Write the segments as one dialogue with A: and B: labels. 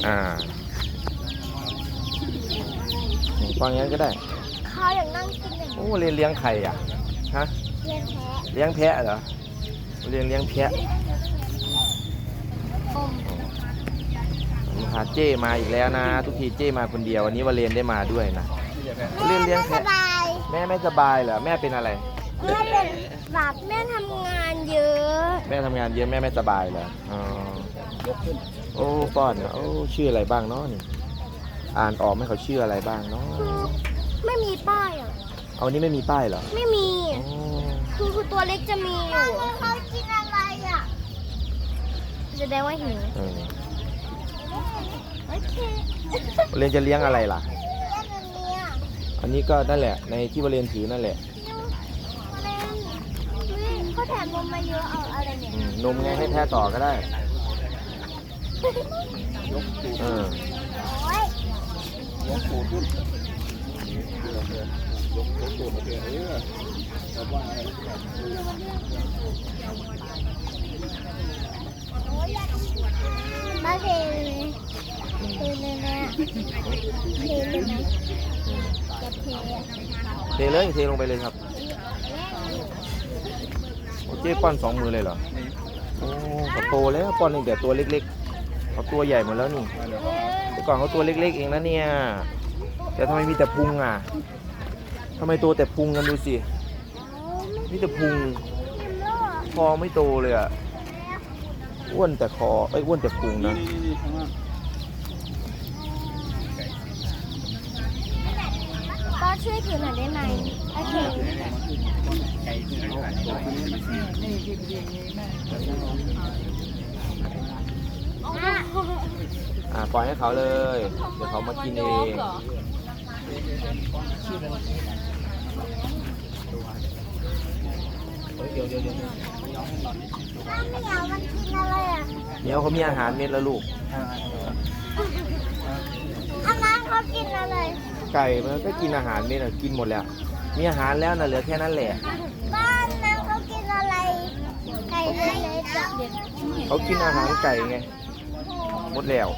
A: ป้อนงั้นก็ได้
B: เขาอยากนั่งกินอย่างนี้
A: โอ้เลี้ยงไข่อ่ะฮะ
B: เลี้ยงแพะ
A: เลี้ยงแพะเหรอเลี้ยงแพะพาเจ้มาอีกแล้วนะทุกทีเจ้มาคนเดียววันนี้วาเลนได้มาด้วยนะเลี้ยงแพะแม่ไม่สบายเหรอแม่เป็นอะไร
B: แม่เป็นแบบแม่ทำงานเยอะ
A: แม่ทำงานเยอะแม่ไม่สบายเหรออ๋อโอ้ป้อนโอ้ชื่ออะไรบ้างเนาะนี่อ่านออกไหมเขาชื่ออะไรบ้างเนาะ
B: ไม่มีป้ายอ่ะ
A: เอานี้ไม่มีป้ายเหรอ
B: ไม่มีคือตัวเล็กจะมีอยู่เขากินอะไรอ่ะจะได้ว่าหิวโอเค
A: วาเลนจะเลี้ยงอะไรล่ะอันนี้ก็นั่นแหละในที่วาเลนถือนั่นแหละ
B: เขาแถมนมมาเยอะเอาอะไรเนี่ย
A: นมไงให้แพ้ต่อก็ได้
C: ยกตูดขึ้นยกตูดมาเถอะแต่ว่าอะไร
B: มาเทเลยเนี่ยเทเลยไหมจะเท
A: เลยเทลงไปเลยครับโอเจ๊ป้อน2 มือเลยเหรอโอ้เขาโตแล้วป้อนตั้งแต่ตัวเล็กๆเขาตัวใหญ่หมดแล้วนี่แต่ก่อนเขาตัวเล็กๆเองนะเนี่ยแต่ทำไมมีแต่พุงอ่ะทำไมโตแต่พุงกันดูสิมีแต่พุงคอไม่โตเลยอ่ะอ้วนแต่คออ้วนแต่พุงนะ
B: ก็ช่วยถือหน่อยได้ไหมโอเค
A: ปล่อยให้เขาเลยเดี๋ยวเขามากินเองเดี๋ยว
B: ไม่เอามันกินอะไรอ่ะ
A: เดี๋ยวเขามีอาหารเม็ดแล้วลูก
B: อันนั้นเขากินอะไร
A: ไก่มันก็กินอาหารเม็ดกินหมดแล้วมีอาหารแล้วนะเหลือแค่นั้นแหละ
B: บ้านนั้นเขากินอะไรไก่เลยจ้ะ
A: เขากินอาหารไก่ไงหมดแล้ว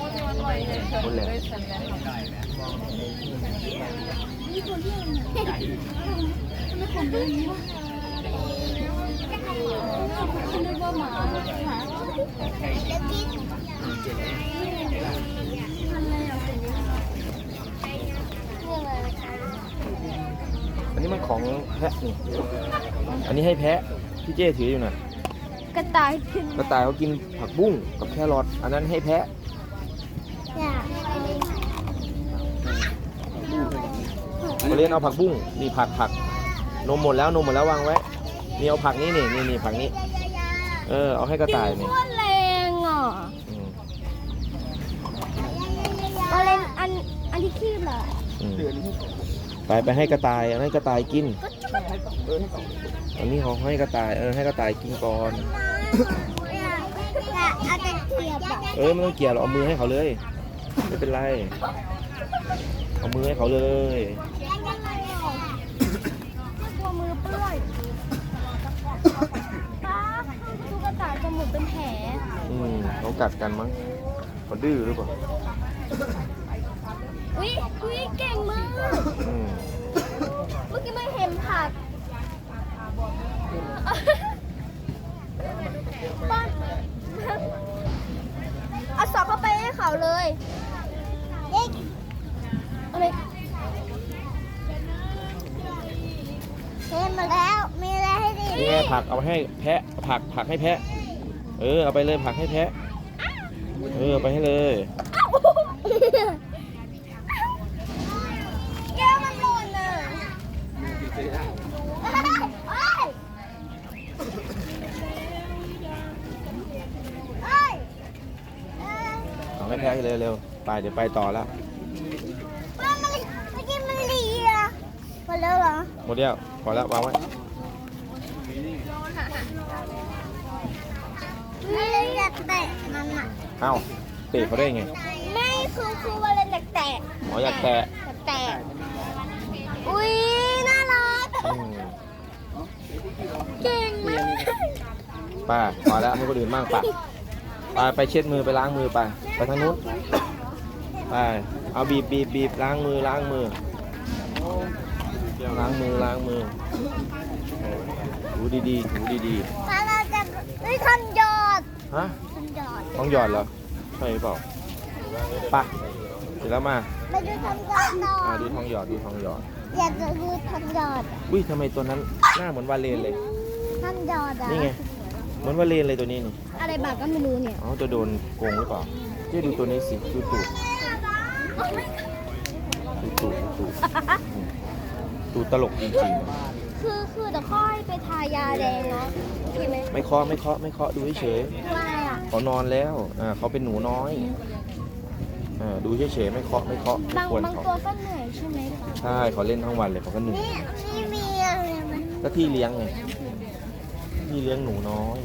A: อันนี้มันของแพะนี่อันนี้ให้แพะพี่เจ้ถืออยู่น่ะ
B: กระต่าย
A: เขากินผักบุ้งกับแครอทอันนั้นให้แพะมาเล่นเอาผักบุ้งนี่ผักนมหมดแล้ววางไว้นี่เอาผักนี้นี่ผักนี้เอาให้กระต่ายนี่
B: แรงอ่ะมาเล่นอันที่คีบเหรอ
A: ไปให้กระต่ายให้กระต่ายกินอันนี้เขาให้กระต่ายให้กระต่ายกินก่อนไม่ต้องเกี่ยวหรอกเอามือให้เขาเลยไม่เป็นไรเอามือให้เขาเลย
B: ตัวมือเปื้อนป้าตุ๊กตาจมูกเป็นแผล
A: เขากัดกันมั้งเขาดื้อหรือเปล่า
B: อุ้ยเก่งมากเมื่อกี้ไม่เห็นผักป้อนเอาสอบเข้าไปให้เขาเลยอะไรเห็นมาแล้วมีอะไรให้ดี
A: นี่ไงผักเอาให้แพะผักให้แพะเอาไปเลยผักให้แพะเอาไปให้เลย
B: แก้วมันหล่นอ่ะ
A: เอาให้แพะเร็วไปเดี๋ยวไปต่อแล้ว
B: เมื่อกี้มันดีอ่ะหมดแล้วเหรอ
A: หมดแล้วพอแล้ววางไว้
B: ไม่อยากแตะมันอ่ะ
A: เอ้าเตะเขาได้ไง
B: ไม่คือว่าเล่นอยากแตะ
A: อยากแตะ
B: อุ้ยน่ารักเก่งมาก
A: ป้าพอแล้วให้คนอื่นบ้างป้าไปเช็ดมือไปล้างมือไปทางนู้นไปเอาบีบล้างมือล้างมือดูดีๆ
B: ป้าเราจะได้ทำหยอด
A: ฮะ
B: ทำหยอด
A: ท้องหยอดเหรอใช่หรือเปล่าไปเสร็จแล้วมา
B: ไปดูทำหยอดต่อ
A: ดูท้องหยอด
B: อยากจะดูทำหยอด
A: อุ้ยทำไมตัวนั้นหน้าเหมือนวาเลนเลย
B: ทำหยอดอ่ะ
A: นี่ไงเหมือนวาเลนเลยตัวนี้นี่
B: อะไรบาก็ไม่รู้เนี่ย
A: อ๋อจะโดนโกงหรือเปล่าเจ๊ดูตัวนี้สิดูตูดตูดตลกจริง
B: คือเดี๋ยวค่อยไปทายาแดงเนาะโอเคไหม
A: ๆไม่เคาะดูเฉย
B: ว่าอะไรอ่ะ
A: ๆเขานอนแล้วเขาเป็นหนูน้อยดูเฉยๆไม่เคาะไม่
B: บาง
A: ควร
B: บาง
A: เขา
B: ตัวก็เหนื่อยใช่ไหมคะ
A: ใช่เขาเล่นทั้งวันเลยเขาก็เหนื่อย
B: นี่มีอะไรไหม
A: ก็ที่เลี้ยงไงที่เลี้ยงหนูน้อย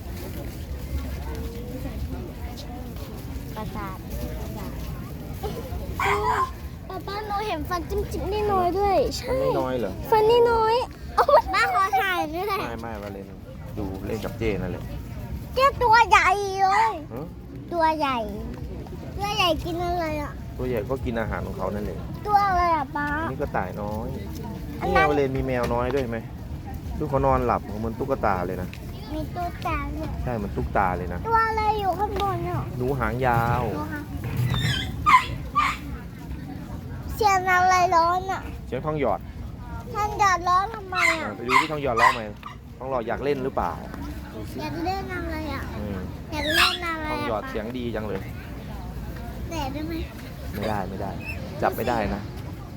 B: ประสาทป้าหนูเห็นฟันจิ้มนี่น้อยด้วยใช่
A: มันไม่น้อยเหรอ
B: ฟันนี่น้อยป้าขอถ่ายด้วย
A: ไม่วาเลนดูเล่นกับเจนั่นแหละ
B: เจ้าตัวใหญ่เลย
A: ฮะ
B: ตัวใหญ่กินอะไรอ่ะ
A: ตัวใหญ่ก็กินอาหารของเขานั่นเอง
B: ตัวอะไรอ่ะป้า
A: นี่ก็ต่ายน้อย
B: อัน
A: นี่
B: นั้น
A: วาเลนมีแมวน้อยด้วยไหมดูเขานอนหลับเหมือนตุ๊กตาเลยนะ
B: มีตัวแตกเนี่ย
A: ใช่เหมือนตุ๊กตาเลยนะ
B: ตัวอะไรอยู่ข้างบนเนี่ย
A: หนูหางยาว
B: ดูค่ะเสียงอะไรร้อนอ่ะ
A: เสียงทองหยอด
B: ท่านหยอดร้อนทำไมอ่ะ
A: ไปดูที่ทองหยอดร้องไหมทองหยอดอยากเล่นหรือเปล่าดูสิ
B: อยากเล่นอะไรอ่ะ
A: อืม
B: อยากเล่นอะไร
A: ทองหยอดเสียงดีจังเลย
B: แต่ได้ไหม
A: ไม่ได้ จับไม่ได้นะ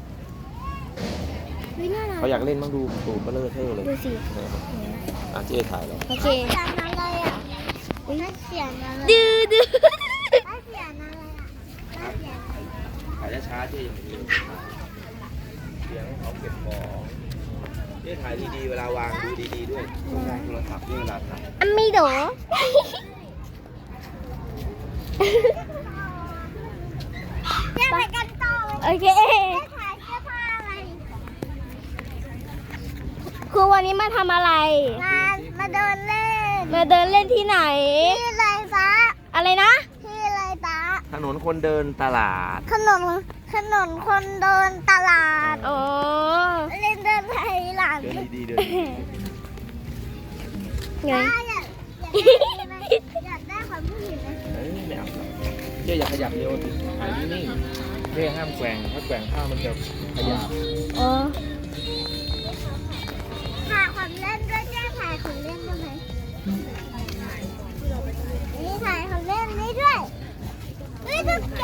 B: วิน่ารัก
A: เขาอยากเล่นบ้างดูตูดเบลอเท่เลย
B: ดูสิ
A: เจ๊ถ่ายแล้ว
B: โอเคเสียงอะไรอ่ะเสียงอะไร
D: ดื้อ
B: เสียงอะไรอ่ะเสียง
A: ถ่ายช้าๆเจ๊ยังไม่รู้เสียงเขาเก็บของเจ๊ถ่ายดีๆเวลาวางดูดีๆด้วยต้องวางโทรศัพท์นี่เวลาถ่าย
B: อันมีโดเจ๊ไปกันต่อเลยโอเคเจ๊ถ่ายเสื้อผ้าอะไร
D: คือวันนี้มาทำอะไร
B: มาเดินเล่น
D: มาเดินเล่นที่ไหน
B: ที่ไรฟ้า
D: อะไรนะ
B: ที่ไรฟ้า
A: ถนนคนเดินตลาด
B: ถนนคนเดินตลาด
D: อ๋อ
B: เล่นเดินไทยหลัง
A: เดินดีๆเดินดี
D: ไง
B: ป้าอยากได้ความผู้หญิงไหม
A: ๆเอ้ยไม่เอาหรอกเจ๊อย่าขยับเร็วสิถ่ายนิ่งๆเจ๊ห้ามแกว่งถ้าแกว่งผ้ามันจะขยับ
D: อ๋อ
B: ถ่ายของเล่นด้วยแค่ถ่ายของเล่นได้ไหมนี่ถ่ายของเล่นนี่ด้วยนี่ตุ๊กแก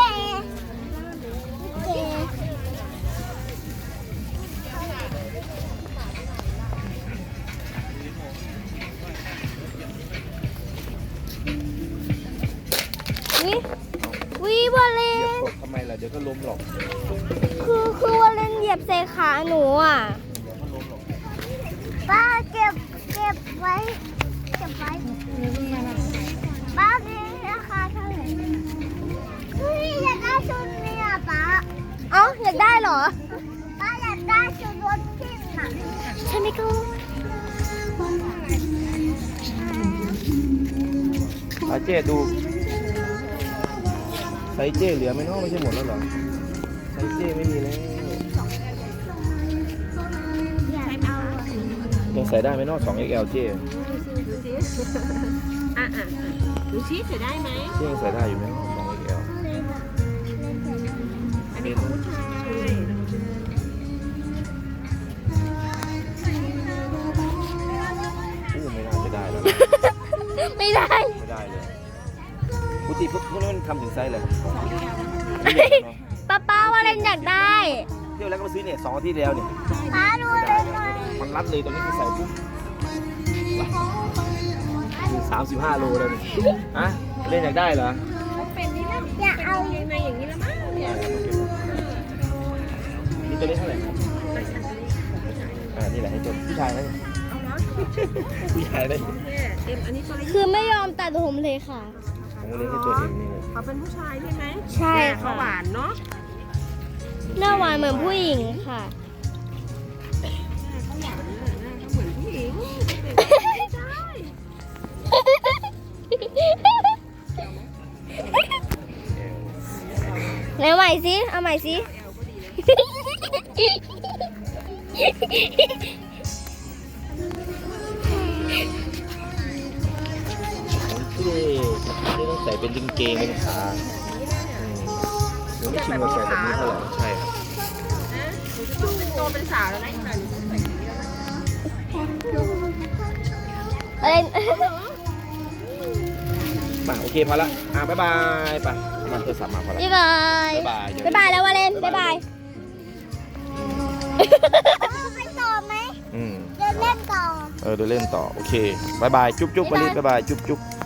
D: วิวาเล
A: เหยียบ
D: น
A: ตกทำไมล่ะเดี๋ยวก็ล้มหรอก
D: คือวาเลนเหยียบใส่ขาหนูอ่ะ
B: ป้าเก็บไว้ป้ามีราคาเท่าไหร่เฮ้ยอยากได้ชุดนี้อ่ะป้า
D: เอ้าอยากได้เหรอ
B: ป้าอยากได้ชุดรถพิ้นอ่ะ
D: ใช่ไหมกู
A: เจ๊ดูไซส์เจ๊เหลือไหมเนาะไม่ใช่หมดแล้วเหรอไซส์เจ๊ไม่มีแล้ว
B: อยากเอาอ่ะ
A: ยังใส่ได้ไหมเนาะ 2XL เจ๊
E: ดูชี้เสียได้ไหม
A: เจ๊ยังใส่ได้อยู่ไหมเนาะ 2XL
E: อันนี้ของผู้ชาย
A: อู้ไม่น่าจะได้แล้ว
D: ไม่ได้
A: ไม่ได้เลยปกติพวกนี้มันทำถึงไซส์เลย
D: ป้าวาเลนอยากได้
A: เที่ยวแล้วก็มาซื้อเนี่ย2 อาทิตย์แล้วเนี่ย
B: ป้าดูเลยหน่อย
A: มันรัดเลยตรงนี้คือใส่ปุ๊บ35 โลเลยนี่ฮะเล่นอยากได้เหรอ
B: อยากเอา
E: ยังไงอย่างนี้ละมั้งเนี่ย
A: นี่ตัวนี้เท่าไหร่ครับนี่แหละให้ตัวผู้ชายนะ
E: เอาเนาะ
A: ผู้ชายได้
E: เนี่ยเอ็มอันนี้ตัวละ
D: คือไม่ยอมตัดผมเลยค่ะ
A: ผมก็เล่นให้ตัวเองนี่เลย
E: เขาเป็นผู้ชายใช่ไหม
D: ใช่
E: เนี่ย
D: ค่ะ
E: เขาหวานเนาะ
D: หน้าหวานเหมือนผู้หญิงค่ะ
E: เขาหวานเขาเหมือนผู้หญิงใช่
D: ไหนใหม่สิเอาใหม่สิ
A: โอเคนี่ต้องใส่เป็นกางเกงเป็นขาผมไม่ชินกับใส่แบบนี้เท่าไหร่ใช่ครับ
E: นะหนูจะต้องเป็นโตเป็นสาวแล้วนะอีกหน่อยหนูจะใส่อย่างนี้แล้วนะ
D: อะไร
A: มาโอเคพอละบ๊ายบายไปมันโทรศัพท์มาพอละ
D: บ๊ายบาย
A: บ๊ายบายเดี๋ยว
D: บ๊ายบายแล้ววาเลนบ๊ายบาย
B: ไปต่อไหม
A: อืม
B: เดินเล่นต่อ
A: เดินเล่นต่อโอเคบายบายจุ๊บจุ๊บวลิศบายบายจุ๊บจุ๊บ